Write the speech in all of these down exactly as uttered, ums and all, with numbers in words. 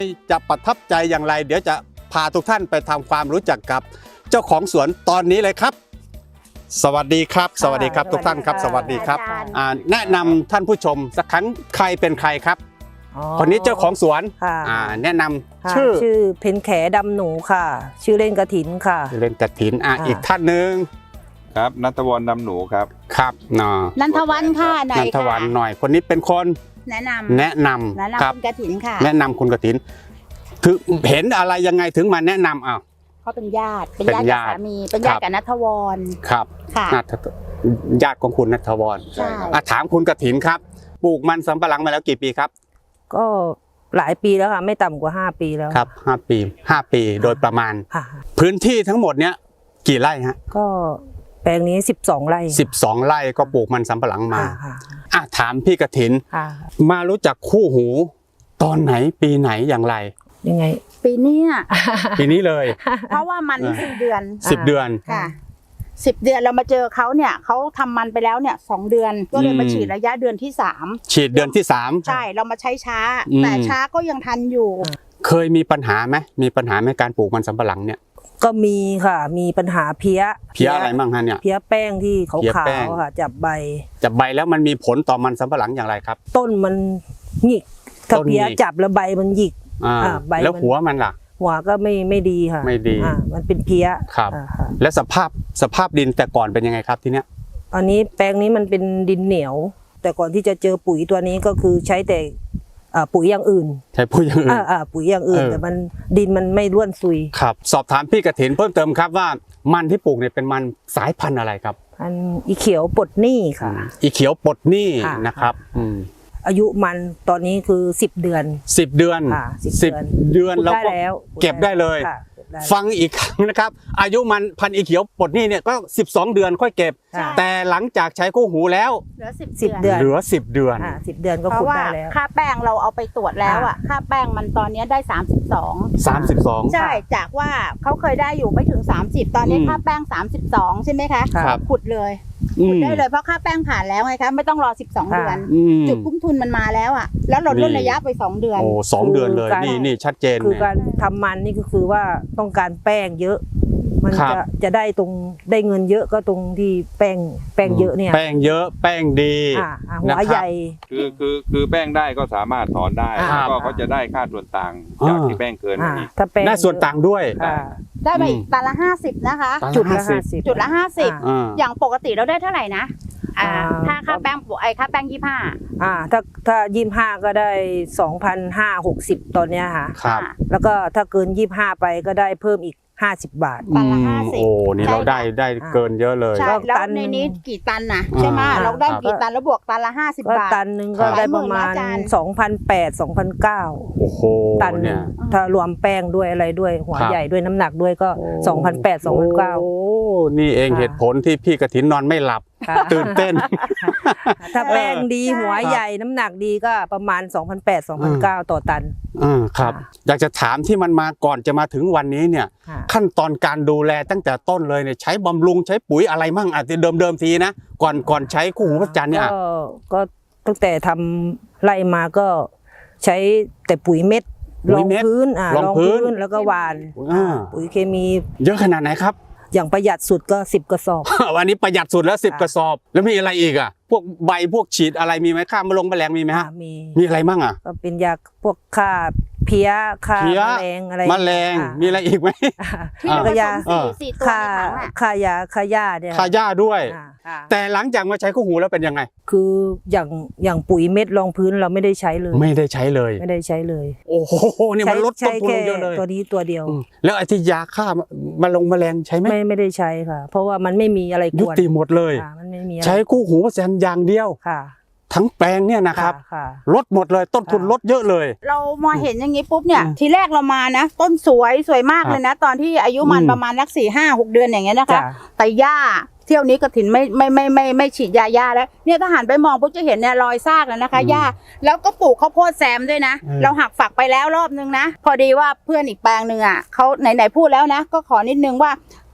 จะประทับใจอย่างไรเดี๋ยวจะพาทุกท่านไปทำความรู้จักกับเจ้าของสวนตอนนี้เลยครับสวัสดีครับสวัสดีครับทุกท่านครับสวัสดีครับแนะนำท่านผู้ชมสักครั้งใครเป็นใครครับคนนี้เจ้าของสวนแนะนำชื่อชื่อเพ็ญแขดำหนูค่ะชื่อเล่นกระถินค่ะเล่นกระถินอ่ะอีกท่านหนึ่งครับณัฐวรรณดำหนูครับครับนอนันทวันค่ะหน่อยนันทวันหน่อยคนนี้เป็นคนแนะนำแนะนำครับคุณกฐินค่ะแนะนำคุณกฐินถึงเห็นอะไรยังไงถึงมาแนะนำอ้าวเขาเป็นญาติเป็นญาติกับสามีเป็นญาติกับนัทวรครับค่ะญาติของคุณนัทวรใช่ถามคุณกฐินครับปลูกมันสำปะหลังมาแล้วกี่ปีครับก็หลายปีแล้วค่ะไม่ต่ำกว่าห้าปีแล้วครับห้าปีห้าปีโดยประมาณพื้นที่ทั้งหมดเนี้ยกี่ไร่ฮะก็แปลงนี้สิบสองไร่สิบสองไร่ก็ปลูกมันสำปะหลังมาอ่ะถามพี่กฐินมารู้จักคู่หูตอนไหนปีไหนอย่างไรยังไงปีนี้ปีนี้เลยเพราะว่ามันสิบเดือนสิบเดือนค่ะสิบเดือนเรามาเจอเขาเนี่ยเขาทำมันไปแล้วเนี่ยสองเดือนก็เลยมาฉีดระยะเดือนที่สามฉีดเดือนที่สามใช่เรามาใช้ช้าแต่ช้าก็ยังทันอยู่เคยมีปัญหาไหมมีปัญหาในการปลูกมันสำปะหลังเนี่ยก็มีค่ะมีปัญหาเพี้ยเพี้ยอะไรบ้างฮะเนี่ยเพี้ยแป้งที่ขาวๆค่ะจับใบจับใบแล้วมันมีผลต่อมันสำปะหลังอย่างไรครับต้นมันหงิกถ้าเพี้ยจับแล้วใบมันหยิกแล้วหัวมันล่ะหัวก็ไม่ไม่ดีค่ะไม่ดีมันเป็นเพี้ยครับแล้วสภาพสภาพดินแต่ก่อนเป็นยังไงครับทีเนี้ยอันนี้แปลงนี้มันเป็นดินเหนียวแต่ก่อนที่จะเจอปุ๋ยตัวนี้ก็คือใช้แต่ปุ๋ยอย่างอื่นใช้ปุ๋ยอย่างอื่นปุ๋ยอย่างอื่นแต่มันดินมันไม่ร่วนซุยครับสอบถามพี่กฐินเพิ่มเติมครับว่ามันที่ปลูกเนี่ยเป็นมันสายพันธุ์อะไรครับพันธุ์อีเขียวปลดหนี้ค่ะอีเขียวปลดหนี้นะครับอายุมันตอนนี้คือสิบเดือนสิบเดือนสิบเดือนเราก็เก็บได้เลยฟังอีกครั้งนะครับอายุมันพันอีเขียวปลดหนี้เนี่ยก็สิบสองเดือนค่อยเก็บแต่หลังจากใช้คู่หูแล้วเหลือสิบเดือนเหลือสิบเดือนสิบเดือนก็ขุดได้แล้วค่าแป้งเราเอาไปตรวจแล้วอ่ะค่าแป้งมันตอนนี้ได้สามสิบสองสามสิบสองใช่จากว่าเขาเคยได้อยู่ไม่ถึงสามสิบตอนนี้ค่าแป้งสามสิบสองใช่ไหมคะขุดเลยขุดได้เลยเพราะค่าแป้งผ่านแล้วไงคะไม่ต้องรอสิบสองเดือนจุดคุ้มทุนมันมาแล้วอ่ะแล้วเราลดระยะไปสองเดือนโอ้สองเดือนเลยนี่นี่ชัดเจนคือการทำมันนี่ก็คือว่าต้องการแป้งเยอะมันจะจะได้ตรงได้เงินเยอะก็ตรงที่แป้งแป้งเยอะเนี่ยแป้งเยอะแป้งดีหัวใหญ่คือคือคือแป้งได้ก็สามารถถอนได้ก็เขาจะได้ค่าส่วนต่างจากที่แป้งเกินอีกได้ส่วนต่างด้วยได้ไปตันละห้าสิบนะคะจุดละห้าสิบจุดละห้าสิบอย่างปกติเราได้เท่าไหร่นะถ้าค่าแป้งไอ้ค่าแป้งยี่ห้าอ่าถ้าถ้ายี่ห้าก็ได้สองพันห้าหกสิบตอนเนี้ยค่ะครับแล้วก็ถ้าเกินยี่ห้าไปก็ได้เพิ่มอีกห้าสิบบาทตันละห้าสิบโอ้นี่เราได้ได้เกินเยอะเลยใช่แล้วในนี้กี่ตันนะใช่ไหมเราได้กี่ตันแล้วบวกตันละห้าสิบบาทตันหนึ่งก็ได้ประมาณสองพันแปดสองพันเก้าโอ้โหตันเนี่ยถ้ารวมแป้งด้วยอะไรด้วยหัวใหญ่ด้วยน้ำหนักด้วยก็สองพันแปดสองพันเก้าโอ้นี่เองเหตุผลที่พี่กฐินนอนไม่หลับตื่นเต้นถ้าแป้งดีหัวใหญ่น้ำหนักดีก็ประมาณ สองพันแปด สองพันเก้า ต่อตันอ่าครับอยากจะถามที่มันมาก่อนจะมาถึงวันนี้เนี่ยขั้นตอนการดูแลตั้งแต่ต้นเลยเนี่ยใช้บำรุงใช้ปุ๋ยอะไรมั่งอาจจะเดิมๆทีนะก่อนก่อนใช้คู่หูพระจันทร์เนี่ยก็ตั้งแต่ทำไร่มาก็ใช้แต่ปุ๋ยเม็ดรองพื้นอ่ารองพื้นแล้วก็หว่านปุ๋ยเคมีเยอะขนาดไหนครับอย่างประหยัดสุดก็สิบกระสอบวันนี้ประหยัดสุดแล้วสิบกระสอบแล้วมีอะไรอีกอ่ะพวกใบพวกฉีดอะไรมีไหมฆ่าแมลงแมลงมีไหมฮะมีมีอะไรบ้างอ่ะก็เป็นยาพวกฆ่าเพี้ยฆ่าแมลงอะไรแมลงมีอะไรอีกไหมที่เรายาฆ่าฆ่ายาฆ่าหญ้าเนี่ยฆ่าหญ้าด้วยแต่หลังจากมาใช้คู่หูแล้วเป็นยังไงคืออย่างอย่างปุ๋ยเม็ดรองพื้นเราไม่ได้ใช้เลยไม่ได้ใช้เลยไม่ได้ใช้เลยโอ้โหนี่มันลดต้นทุนเยอะเลยตัวนี้ตัวเดียวแล้วไอ้ที่ยาฆ่าแมลงแมลงใช้ไหมไม่ไม่ได้ใช้ค่ะเพราะว่ามันไม่มีอะไรกวนยุติหมดเลยใช้คู่หูแซนอย่างเดียวทั้งแปลงเนี่ยนะครับลดหมดเลยต้นทุนลดเยอะเลยเรามาเห็นอย่างนี้ปุ๊บเนี่ยทีแรกเรามานะต้นสวยสวยมากเลยนะตอนที่อายุมันประมาณนักสี่ห้าหกเดือนอย่างเงี้ยนะคะแต่หญ้าเที่ยวนี้กฐินไม่ไม่ไม่ไม่ไม่ฉีดยาหญ้าแล้วเนี่ยถ้าหันไปมองปุ๊บจะเห็นเนี่ยรอยซากแล้วนะคะหญ้าแล้วก็ปลูกข้าวโพดแซมด้วยนะเราหักฝักไปแล้วรอบนึงนะพอดีว่าเพื่อนอีกแปลงหนึ่งอ่ะเขาไหนไหนพูดแล้วนะก็ขอนิดนึงว่า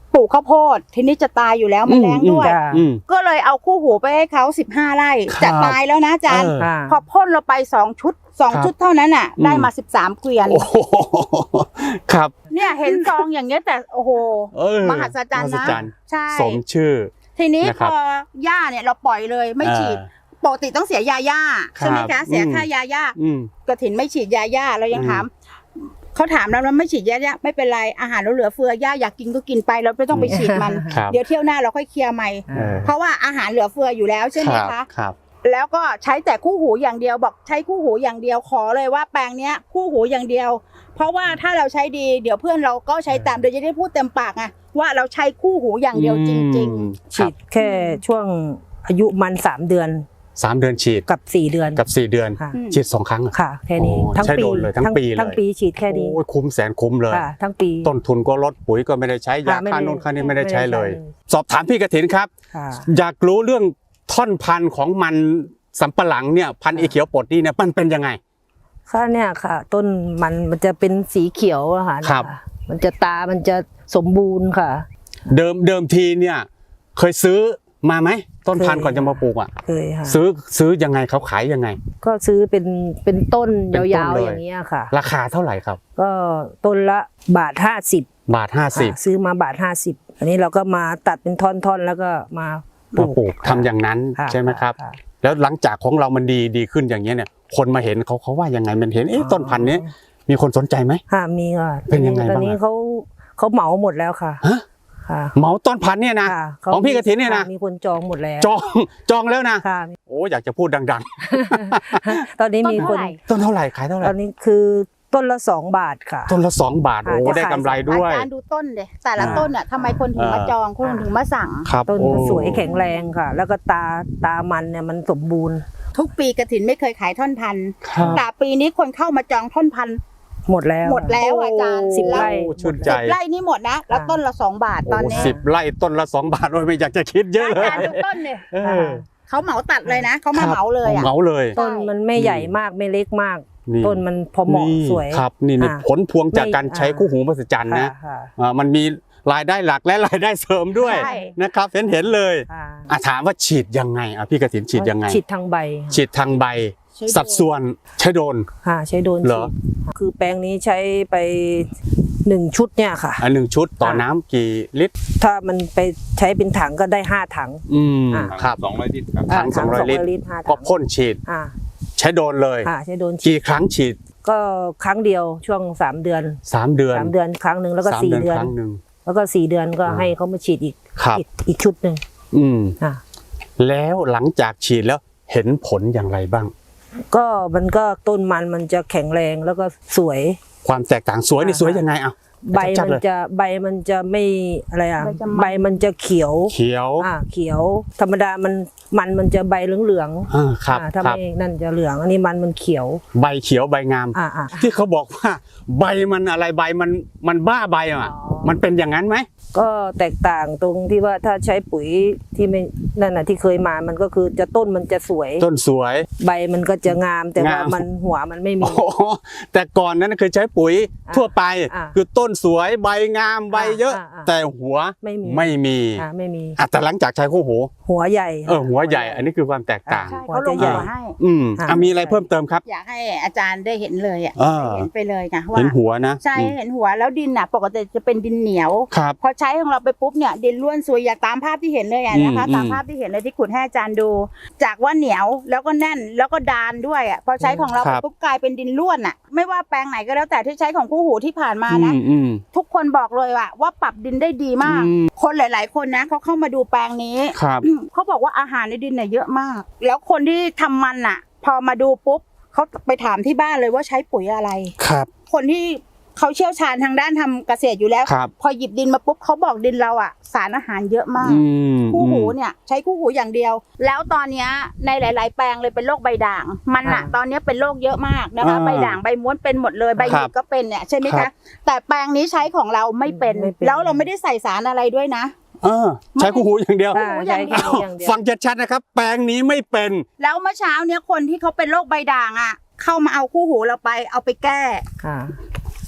ปลูกข้าวโพดทีนี้จะตายอยู่แล้วมันแรงด้วยจ้ะอืมก็เลยเอาคู่หูไปให้เขาสิบห้าไร่ครับจะตายแล้วนะอาจารย์เออค่ะพอพ่นเราไปสองชุดสองครับชุดเท่านั้นอ่ะอืมได้มาสิบสามเกวียนโอ้โหครับเนี่ยเห็นซองอย่างเงี้ยแต่โอ้โหเออมหัศจรรย์มหันะศจรรย์ใช่สมชื่อทีนี้นะคพรับอหญ้าเนี่ยเราปล่อยเลยไม่ฉีดเออปกติต้องเสียยาหญ้าใช่ไหมครัคะบเสียอืมค่ายาหญ้าอืมกระถินไม่ฉีดยาหญ้าเรายังอืมถามเขาถามเราแล้วไม่ฉีดยาหญ้าไม่เป็นไรอาหารเราเหลือเฟือหญ้าอยากกินก็กินไปเราไม่ต้องไปฉีดมันครับเดี๋ยวเที่ยวหน้าเราค่อยเคลียร์ใหม่เออเพราะว่าอาหารเหลือเฟืออยู่แล้วใช่ไหมรับคะครับแล้วก็ใช้แต่คู่หูอย่างเดียวบอกใช้คู่หูอย่างเดียวขอเลยว่าแปลงเนี้ยคู่หูอย่างเดียว เพราะว่าถ้าเราใช้ดีเดี๋ยวเพื่อนเราก็ใช้ตามโดยจะได้พูดเต็มปากไงว่าเราใช้คู่หูอย่างเดียวจริงอืมฉีดแค่ช่วงอายุมันสามเดือนสามเดือนฉีดกับสี่เดือนกับสี่เดือนค่ะฉีดสองครั้งอะค่ะ แค่นี้โอ้ทั้งใช้ปีโดนเลยทั้งปีเลยทั้งปีฉีดแค่นี้โอ้ยคุ้มแสนคุ้มเลยค่ะ ทั้งปีต้นทุนก็ลดปุ๋ยก็ไม่ได้ใช้ยาค่ะไม่ค่าได้โน่นค่านี้ไม่ได้ใช้เลยไม่ได้ใช้เลยสอบถามพี่กฐินครับค่ะอยากรู้เรื่องท่อนพันธุ์ของมันสำปะหลังเนี่ยพันธุ์เอเขียวปลดนี่เนี่ยมันเป็นยังไงค่ะเนี่ยค่ะ ต้นมันมันจะเป็นสีเขียวอะค่ะครับเนี่ยะมันจะตามันจะสมบูรณ์ค่ะเดิมเดิมทีเนี่ยเคยซื้อมาไหมต้นพันธุ์เคยก่อนจะมาปลูกอ่ะเคยค่ะซื้อซื้อยังไงเขาขายยังไงก็ซื้อเป็นเป็นต้นเป็นต้นยาวเลยๆอย่างเงี้ยค่ะราคาเท่าไหร่ครับก็ต้นละบาทห้าสิบบาทห้าสิบซื้อมาบาทห้าสิบอันนี้เราก็มาตัดเป็นท่อนๆแล้วก็มาปมาลูกปลูกทำอย่างนั้นค่ะใช่ไหมครับะแล้วหลังจากของเรามันดีดีขึ้นอย่างเงี้ยเนี่ยคนมาเห็นเขาเขาว่ายังไงมันเห็นเอ๊ะอ๋อต้นพันธุ์นี้มีคนสนใจไหมค่ะมีค่ะเป็นยังไงตอนบ้างนี้อะเขาเขาเหมาหมดแล้วค่ะฮะค่ะเหมาต้นพันธุ์เนี่ยนะค่ะของพี่กฐินเนี่ยนะค่มีคนจองหมดแล้วจองจองแล้วนะค่ะโอ้อยากจะพูดดังตอนนี้ต้นมีคเท่าน ไหร่ๆ ต้นเท่าไหร่ขายเท่าไหตร่อนนี้คือต้นละสองบาทค่ะต้นละสองบาทค่ะโอ้จะได้ขายกำไรๆด้วยอาจารย์ดูต้นเดยแต่ละอ่าต้นเนี่ยทำไมคนถึงมาจองคนถึงมาสั่งครับต้นโอ้ก็สวยแข็งแรงค่ะ แล้วก็ตาตามันเนี่ยมันสมบูรณ์ทุกปีกระถินไม่เคยขายท่อนพันครับแต่ปีนี้คนเข้ามาจองท่อนพันหมดแล้วหมดแล้วอาจารย์สิบไร่โอ้ชื่นใจสิบไร่นี่หมดนะแล้วต้นละสองบาทตอนโอ้นี้สิบไร่ต้นละสองบาทโอ้ยไม่อยากจะคิดเยอะอาเลยจารย์ดูต้นเนี่ยเออเขาเหมาตัดเลยนะเขามาเหมาเลยอ่ะเหมาเลยต้นมันไม่ใหญ่มากไม่เล็กมากนี่ต้นมันพอเหมาะนี่สวยครับนี่นี่อ่าผลพวงจากการไม่ใช้คู่หูมหัศจรรย์นะค่ะอ่ามันมีรายได้หลักและรายได้เสริมด้วยใช่นะครับเห็นเห็นเลยค่ะอ่ะถามว่าฉีดยังไงอ่ะพี่กฐินฉีดยังไงฉีดทางใบฉีดทางใบใช้โดรนสัดส่วนใช้โดนค่ะใช้โดนเหรฉีอดคือแปลงนี้ใช้ไปหนึ่งชุดเนี่ยค่ะอันหนึ่งชุดต่อค่ะน้ำกี่ลิตรถ้ามันไปใช้เป็นถังก็ได้ห้าถังอืมอ่าครับสองร้อยลิตรครับถังสองร้อยลิตรห้าก็ถังพ่นฉีดอ่าใช้โดนเลยค่ะใช้โดนฉีกี่ดครั้งฉีดก็ครั้งเดียวช่วงสามเดือนสามเดือนสามเดือนครั้งหนึ่งแล้วก็สามสี่เดือนเดือนครั้งหนึ่งแล้วก็สี่เดือนก็อ่าให้เขามาฉีดอีกครับอีกอีกชุดหนึ่งอืมอ่าแล้วหลังจากฉีดแล้วเห็นผลอย่างไรบ้างก็มันก็ต้นมันมันจะแข็งแรงแล้วก็สวยความแตกต่างสวยนี่อ่าสวยยังไงอ่ะใบชัดมันๆเลยจะใบมันจะไม่อะไรอ่ะใบจะมันใบมันจะเขียวเขียวอ่าเขียว ธรรมดามันมันมันจะใบเหลืองอ่าครับอ่าถ้าครับไม่นั่นจะเหลืองอันนี้มันมันเขียวใบเขียวใบงามอ่าอ่าที่เขาบอกว่า ใบมันอะไรใบมันมันบ้าใบอ่ะอ๋อมันเป็นอย่างนั้นไหมก็แตกต่างตรงที่ว่าถ้าใช้ปุ๋ยที่ไม่นั่นน่ะที่เคยมามันก็คือจะต้นมันจะสวยต้นสวยใบมันก็จะงามแต่ว่างามมันหัวมันไม่มีโอ้โหแต่ก่อนนั้นเคยใช้ปุ๋ยอ่าทั่วไปอ่าคือต้นสวยใบงามใบเยอะอ่าอ่าแต่หัวไม่มีไม่มีอ่าไม่มีอ่ะแต่หลังจากใช้คู่หูหัวใหญ่เออหัวใหญ่ อันนี้คือความแตกต่างใช่หัวเขาลจะงใหญ่หัวให้อืมอ่าอ่ะมีอะไรเพิ่มเติมครับอยากให้อาจารย์ได้เห็นเลยอ่ะอ่าได้เห็นไปเลยไงว่าเห็นหัวนะใช่อืมเห็นหัวแล้วดินน่ะปกติจะเป็นดินเหนียวครับพอใช้ของเราไปปุ๊บเนี่ยดินล้วนสวยอย่างตามภาพที่เห็นเลยอะนะคะอืมตามภาพที่เห็นเลยที่ขุดให้อาจารย์ดู จากว่าเหนียวแล้วก็แน่นแล้วก็ดานด้วยอ่ะพอใช้ของเราคไปรับปุ๊บกลายเป็นดินล้วนอ่ะไม่ว่าแปลงไหนก็แล้วแต่ที่ใช้ของคู่หูที่ผ่านมานะอืมอืมทุกคนบอกเลยว่าว่าปรับดินได้ดีมากอืมคนหลาย ๆ คนนะเขาเข้ามาดูแปลงนี้ครับเขาบอกว่าอาหารในดินเนี่ยเยอะมาก แล้วคนที่ทำมันอ่ะ พอมาดูปุ๊บเขาไปถามที่บ้านเลยว่าใช้ปุ๋ยอะไรครับคนที่เขาเชี่ยวชาญทางด้านทำเกษตรอยู่แล้วครับพอหยิบดินมาปุ๊บเขาบอกดินเราอ่ะสารอาหารเยอะมากอืมคู่หูเนี่ยใช้คู่หูอย่างเดียว แล้วตอนเนี้ยในหลาย ๆ แปลงเลยเป็นโรคใบด่าง มันอ่ะอ่าตอนเนี้ยเป็นโรคเยอะมากนะคะอ่าใบด่างใบม้วนเป็นหมดเลยใบหยิครักบก็เป็นเนี่ยใช่ไหมครัคะบแต่แปลงนี้ใช้ของเราไม่เป็นไม่เป็นแล้วเราไม่ได้ใส่สารอะไรด้วยนะเออใช้คู่หูอย่างเดียวใช่ใช้แค่นี้อย่างเดียวฟังชัดๆนะครับ แปลงนี้ไม่เป็นแล้วเมื่อเช้าเนี้ยคนที่เขาเป็นโรคใบด่างอ่ะ เข้ามาเอาคู่หูเราไปเอาไปแก้ค่ะท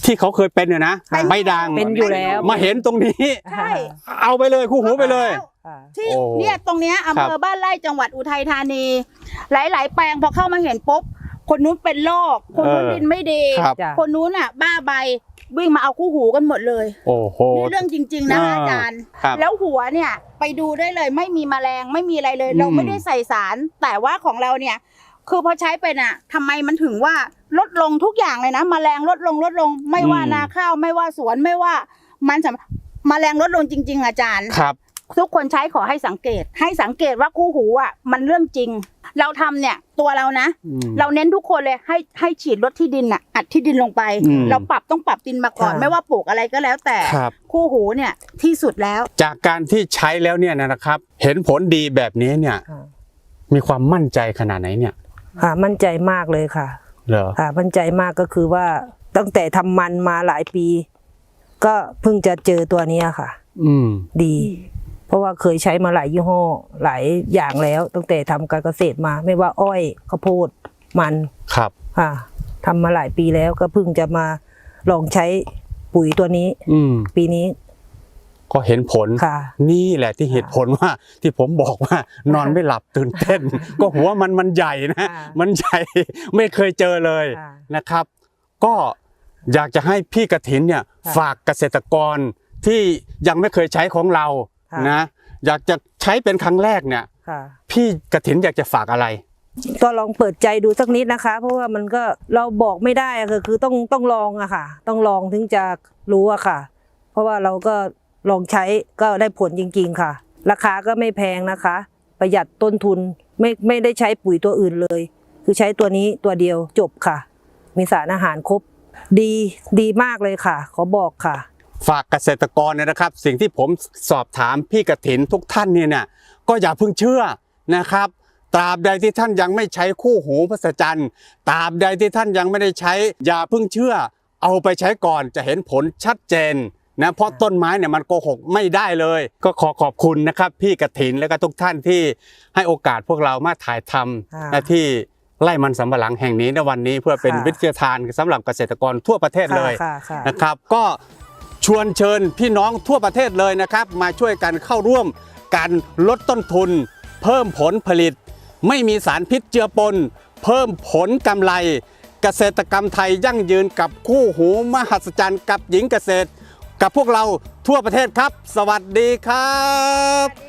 ที่เขาเคยเป็นเนี่ยนะเป็นใบด่างเป็นอยู่แล้วมาเห็นตรงนี้ใช่เอาไปเลยคู่หูไปเลยค่ะที่โอ้เนี่ยตรงเนี้ยอำเภครัอบ บ้านไร่จังหวัดอุทัยธานี หลาย ๆ แปลงพอเข้ามาเห็นปุ๊บคนนู้นเป็นโรคคนนู้นเออดินไม่ดีครับจ้ะคนนู้นอ่ะ บ้าใบวิ่งมาเอาคู่หูกันหมดเลยโอ้โหนี่เรื่องจริง ๆ นะคะอ่าอาจารย์ครับแล้วหัวเนี่ยไปดูได้เลยไม่มีแมลงไม่มีอะไรเลยอืมเราไม่ได้ใส่สาร แต่ว่าของเราเนี่ย คือพอใช้ไปน่ะทำไมมันถึงว่าลดลงทุกอย่างเลยนะแมลงลดลงลดลง ไม่ว่านาข้าวไม่ว่าสวนไม่ว่ามันสำแมลงลดลงจริง ๆ อาจารย์ครับทุกคนใช้ขอให้สังเกต ให้สังเกตว่าคู่หูอ่ะมันเรื่องจริง เราทำเนี่ยตัวเรานะอืมเราเน้นทุกคนเลยให้ให้ฉีดลดที่ดินอ่ะอัดที่ดินลงไปอืมเราปรับต้องปรับดินมาก่อนค่ะไม่ว่าปลูกอะไรก็แล้วแต่ครับคู่หูเนี่ยที่สุดแล้วจากการที่ใช้แล้วเนี่ยนะครับ เห็นผลดีแบบนี้เนี่ยค่ะมีความมั่นใจขนาดไหนเนี่ยค่ะมั่นใจมากเลยค่ะเหรอค่ะมั่นใจมากก็คือว่าตั้งแต่ทำมันมาหลายปี ก็เพิ่งจะเจอตัวเนี้ยค่ะอืมดี เพราะว่าเคยใช้มาหลายยี่ห้อหลายอย่างแล้ว ตั้งแต่ทำการเกษตรมา ไม่ว่าอ้อยข้าวโพดมันครับค่ะทำมาหลายปีแล้วก็เพิ่งจะมาลองใช้ปุ๋ยตัวนี้อืมปีนี้ก็เห็นผลค่ะนี่แหละที่เหตุผลว่าที่ผมบอกว่านอนไม่หลับตื่นเต้น ก็หัวมันมันใหญ่นะค่ะมันใหญ่ ไม่เคยเจอเลยค่ะนะครับ ก็อยากจะให้พี่กฐินเนี่ยค่ะฝากเกษตรกรที่ยังไม่เคยใช้ของเราค่ะนะอยากจะใช้เป็นครั้งแรกเนี่ยค่ะพี่กฐินอยากจะฝากอะไรก็ลองเปิดใจดูสักนิดนะคะ เพราะว่ามันก็เราบอกไม่ได้อะคือคือต้องต้องลองอะค่ะ ต้องลองถึงจะรู้อะค่ะ เพราะว่าเราก็ลองใช้ก็ได้ผลจริง ๆ ค่ะ ราคาก็ไม่แพงนะคะ ประหยัดต้นทุนไม่ไม่ได้ใช้ปุ๋ยตัวอื่นเลย คือใช้ตัวนี้ตัวเดียวจบค่ะ มีสารอาหารครบ ดีดีมากเลยค่ะ ขอบอกค่ะฝากเกษตรกรเนี่ยนะครับ สิ่งที่ผมสอบถามพี่กฐินทุกท่านเนี่ยเนี่ยก็อย่าเพิ่งเชื่อนะครับตราบใดที่ท่านยังไม่ใช้คู่หูพระจันทร์ตราบใดที่ท่านยังไม่ได้ใช้อย่าเพิ่งเชื่อ เอาไปใช้ก่อนจะเห็นผลชัดเจนนะเพราะต้นไม้เนี่ยมันโกหกไม่ได้เลย ก็ขอขอบคุณนะครับพี่กฐินและก็ทุกท่านที่ให้โอกาสพวกเรามาถ่ายทค่ะำหน้าที่ไร่มันสำปะหลังแห่งนี้ในวันนี้เพื่อเป็นค่ะวิทยาทานสำหรับเกษตรกรทั่วประเทศเลยค่ะค่ะนะครับก็ชวนเชิญพี่น้องทั่วประเทศเลยนะครับ มาช่วยกันเข้าร่วมการลดต้นทุน เพิ่มผลผลิต ไม่มีสารพิษเจือปน เพิ่มผลกำไร เกษตรกรรมไทยยั่งยืนกับคู่หูมหัศจรรย์กับหญิงเกษตร กับพวกเราทั่วประเทศครับ สวัสดีครับ